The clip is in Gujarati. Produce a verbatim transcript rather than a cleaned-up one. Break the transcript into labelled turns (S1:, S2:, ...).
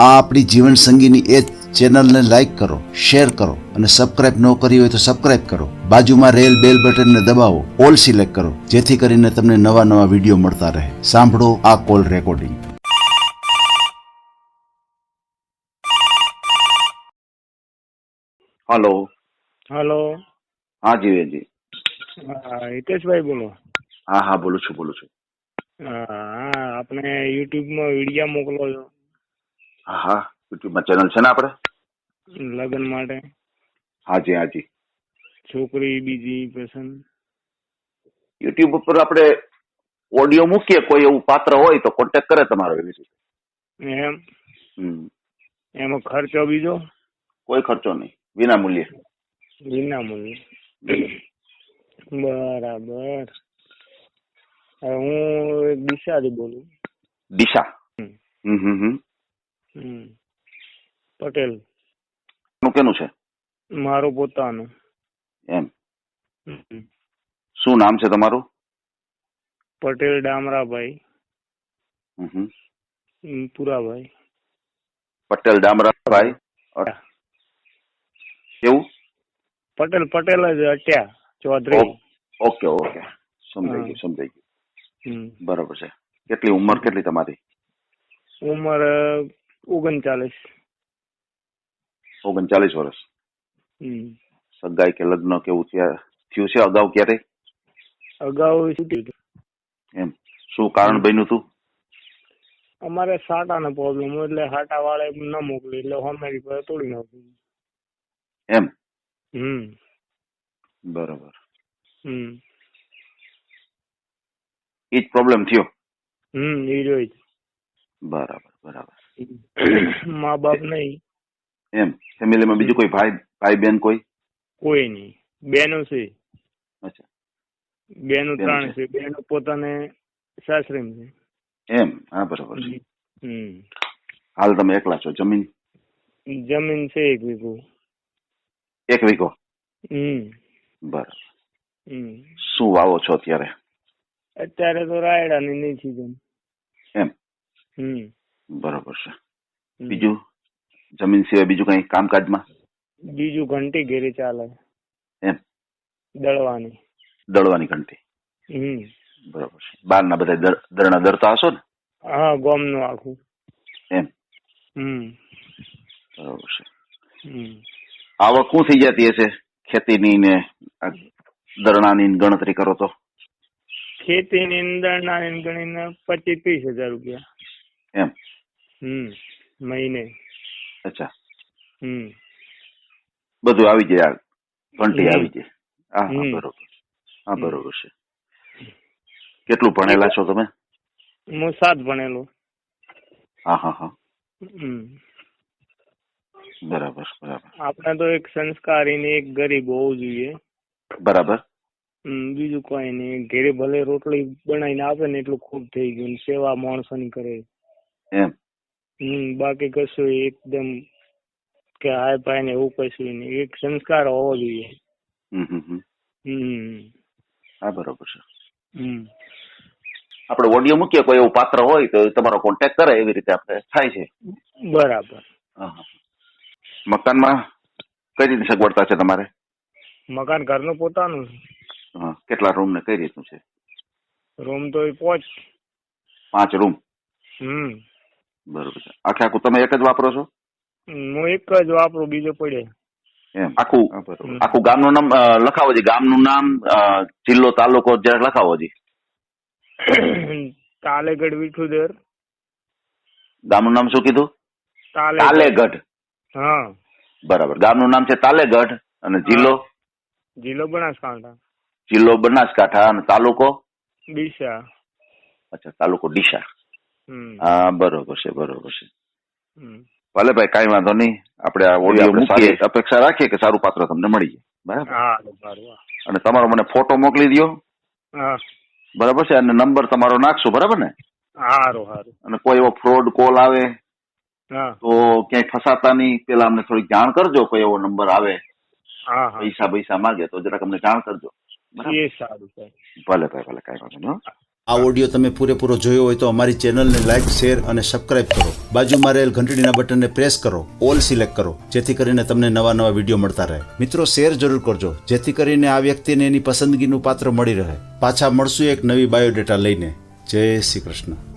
S1: આ આપણી જીવન સંગીની એ ચેનલને લાઈક કરો, શેર કરો અને સબસ્ક્રાઇબ ન કરી હોય તો સબસ્ક્રાઇબ કરો. બાજુમાં રેલ બેલ બટનને દબાવો, ઓલ સિલેક્ટ કરો, જેથી કરીને તમને નવા નવા વિડીયો મળતા રહે. સાંભળો આ કોલ રેકોર્ડિંગ.
S2: હલો.
S3: હલો.
S2: હા જીવેજી.
S3: હા, હિતેશભાઈ બોલો.
S2: હા હા બોલું છું બોલું છું.
S3: હા, આપણે યુટ્યુબમાં વિડીયો મોકલો છો.
S2: હા હા યુટ્યુબમાં ચેનલ છે ને આપણે
S3: લગ્ન માટે.
S2: હાજી હાજી.
S3: છોકરી બીજી પસંદ.
S2: યુટ્યુબ ઉપર આપણે ઓડિયો મૂકીએ, કોઈ એવું પાત્ર હોય તો કોન્ટેક્ટ કરે તમારો. એવી રીતે
S3: એમ
S2: હમ
S3: એમાં ખર્ચો બીજો?
S2: કોઈ ખર્ચો નહીં, વિના મૂલ્યે.
S3: વિના મૂલ્યે. બરાબર. હવે હું દિશાથી બોલું.
S2: દિશા.
S3: હમ.
S2: હમ હમ હમ
S3: હમ. પટેલ.
S2: નું કેનું છે?
S3: મારું પોતાનું.
S2: એમ.
S3: હમ.
S2: શું નામ છે તમારું?
S3: પટેલ ડામરાભાઈ.
S2: હમ હમ
S3: હમ, પુરાભાઈ.
S2: પટેલ ડામરાભાઈ. કેવું?
S3: પટેલ પટેલ જ અટ્યા ચૌધરી.
S2: ઓકે ઓકે, સમજાઈ ગયું સમજાઈ ગયું.
S3: હમ.
S2: બરોબર છે. કેટલી ઉંમર કેટલી તમારી?
S3: ઉંમર ઓગણચાલીસ.
S2: ઓગણચાલીસ વર્ષ.
S3: હમ.
S2: સગાઈ કે લગ્ન કેવું થયા થયું છે અગાઉ ક્યારે?
S3: અગાઉ શું થયું?
S2: એમ. શું કારણ બન્યું હતું?
S3: અમારે સાટાનો પ્રોબ્લેમ એટલે સાટા વાળા ન મોકલી એટલે હોમેરી પર તોડી નાખ્યું.
S2: એમ.
S3: હમ.
S2: બરોબર.
S3: હમ.
S2: એ જ પ્રોબ્લેમ થયો.
S3: હમ એ જોઈ.
S2: બરાબર બરાબર.
S3: મા બાપ નહીં.
S2: એમ. ફેમિલીમાં બીજું કોઈ ભાઈ ભાઈ બેન કોઈ?
S3: કોઈ નહીં. બેનો છે.
S2: અચ્છા.
S3: બેનું ત્રણ છે. બેનો પોતાને સાસરેમ છે.
S2: એમ. હા બરોબર છે.
S3: હમ.
S2: હાલ તમે એકલા છો? જમીન
S3: જમીન છે એક વીઘો.
S2: એક વીઘો.
S3: હમ.
S2: બરાબર.
S3: હમ.
S2: શું વાવો છો અત્યારે?
S3: અત્યારે તો રાયડાની નહીં સીઝન.
S2: એમ.
S3: હમ.
S2: બરોબર છે. બીજું જમીન સિવાય બીજું કઈ કામકાજમાં?
S3: બીજું ઘંટી ઘેરી ચાલે.
S2: એમ.
S3: દળવાની.
S2: દળવાની ઘંટી.
S3: હમ.
S2: બરોબર છે. બાર ના બધા દરણા દરતા હશો ને?
S3: હા, ગોમ નું આખું.
S2: એમ.
S3: હમ.
S2: બરોબર છે.
S3: હમ.
S2: આવક શું થઈ જતી હશે ખેતીની ને દરણાની ગણતરી કરો તો?
S3: ખેતી ની અંદર ના ગણીને પચીસ ત્રીસ હજાર રૂપિયા.
S2: એમ.
S3: હમ. મહિને.
S2: અચ્છા.
S3: હમ.
S2: બધું આવી જાય, ઘંટી આવી જાય. હા હા
S3: હમ.
S2: બરોબર. હા બરોબર છે. કેટલું ભણેલા છો તમે?
S3: હું સાત ભણેલો.
S2: હા હા હા.
S3: હમ.
S2: બરાબર બરાબર.
S3: આપણે તો એક સંસ્કારી ને એક ગરીબ હોવું જોઈએ.
S2: બરાબર.
S3: હમ. બીજું કોઈ નહીં. ઘેરે ભલે રોટલી બનાવીને આપે ને એટલું ખૂબ થઈ ગયું. સેવા માણસોની કરે.
S2: એમ.
S3: હમ. બાકી કશું એકદમ કે હાય પાય ને એવું કશું નહીં. એક સંસ્કાર હોવો જોઈએ.
S2: હમ હમ હમ.
S3: હમ.
S2: હા બરોબર છે.
S3: હમ.
S2: આપણે ઓડિયો મૂકીએ, કોઈ એવું પાત્ર હોય તો તમારો કોન્ટેક્ટ કરે, એવી રીતે આપણે થાય છે.
S3: બરાબર.
S2: મકાનમાં કઈ રીતે સગવડતા છે તમારે?
S3: મકાન ઘરનું પોતાનું.
S2: હા. કેટલા રૂમ ને કઈ રીતનું છે?
S3: રૂમ તો એ પાંચ.
S2: પાંચ રૂમ.
S3: હમ.
S2: બરોબર છે. આખે આખું તમે એક જ વાપરો છો?
S3: હું એક જ વાપરું, બીજો પડે.
S2: એમ. આખું આખું ગામનું નામ લખાવો છે. ગામનું નામ, જિલ્લો, તાલુકો જરાક લખાવો છે.
S3: તાલેગઢ વિઠુદર.
S2: ગામનું નામ શું કીધું?
S3: તાલેગઢ.
S2: તાલેગઢ.
S3: હા.
S2: બરાબર. ગામનું નામ છે તાલેગઢ અને જિલ્લો?
S3: જિલ્લો બનાસકાંઠા.
S2: જિલ્લો બનાસકાંઠા અને તાલુકો?
S3: ડીસા.
S2: અચ્છા, તાલુકો ડીસા.
S3: હમ.
S2: હા બરોબર છે બરોબર છે.
S3: હમ.
S2: ભલે ભાઈ, કઈ વાંધો નહીં. આપણે આ ઓડિયો મૂકીએ, અપેક્ષા રાખીએ કે સારું પાત્ર તમને મળી જાય. બરાબર.
S3: હા સારું.
S2: અને તમારો મને ફોટો મોકલી દો.
S3: હા.
S2: બરાબર છે. અને નંબર તમારો નાખશો. બરાબર ને?
S3: સારું સારું.
S2: અને કોઈ એવો ફ્રોડ કોલ આવે
S3: હા.
S2: તો ક્યાંય ફસાતા નહીં, પેલા અમને થોડીક જાણ કરજો. કોઈ એવો નંબર આવે,
S3: હા હા.
S2: પૈસા પૈસા માંગે તો જરાક અમને જાણ કરજો.
S3: એ સારું.
S2: ભલે ભાઈ ભલે, કઈ વાંધો નહીં.
S1: આ ઓડિયો તમે પૂરેપૂરો જોયો હોય તો અમારી ચેનલને લાઇક, શેર અને સબસ્ક્રાઇબ કરો. બાજુમાં રહેલ ઘંટડીના બટનને પ્રેસ કરો, ઓલ સિલેક્ટ કરો, જેથી કરીને તમને નવા નવા વિડીયો મળતા રહે. મિત્રો, શેર જરૂર કરજો, જેથી કરીને આ વ્યક્તિને એની પસંદગીનું પાત્ર મળી રહે. પાછા મળશું એક નવી બાયોડેટા લઈને. જય શ્રી કૃષ્ણ.